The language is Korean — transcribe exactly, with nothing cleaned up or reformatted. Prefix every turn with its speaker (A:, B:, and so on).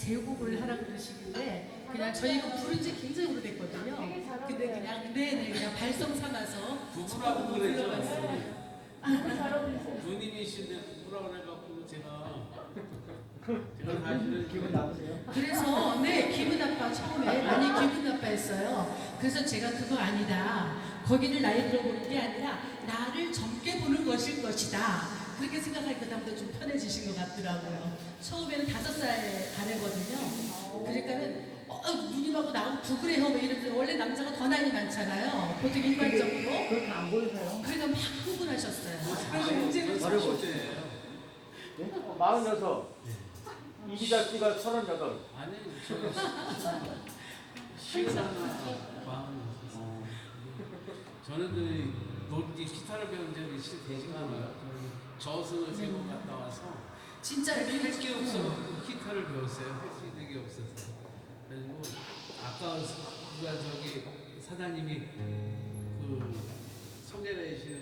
A: 제곡을 하라 그러시길래 그냥 저희가 부른 지 굉장히 오래됐거든요. 근데 그냥 네네 그냥 발성 삼아서
B: 부부라고 그랬죠.
A: 불러봤어요.
B: 누님이신데 부부라고 해갖고 제가 제가 사실은
C: 기분 나쁘세요?
A: 그래서 네 기분 나빠 처음에 많이 기분 나빠했어요. 그래서 제가 그거 아니다. 거기를 나이 들어보는 게 아니라 나를 젊게 보는 것일 것이다. 그렇게 생각하니까 다음부터 좀 편해지신 것 같더라고요. 처음에는 다섯 살 반했거든요. 그러니까는 어, 누님하고 나하고 부그래요 뭐 이러면서 원래 남자가 더 나이 많잖아요. 보통 일반적으로.
C: 그렇게 안 보이세요?
A: 그러니까 막 흥분하셨어요. 그래서
B: 저를
A: 문제는
B: 저를 못해요.
C: 네? 마흔여섯. 이기자 씨가 서른여덟.
B: 아니 저는 시간 마음 저는 그 노- 기타를 배운 적이 실 되지가 않아요. 저승을 세번 갔다 와서
A: 진짜
B: 할 게 없어 기타를 배웠어요. 할 수 있는 게 없어서. 그리고 아까 누가 저기 사장님이 그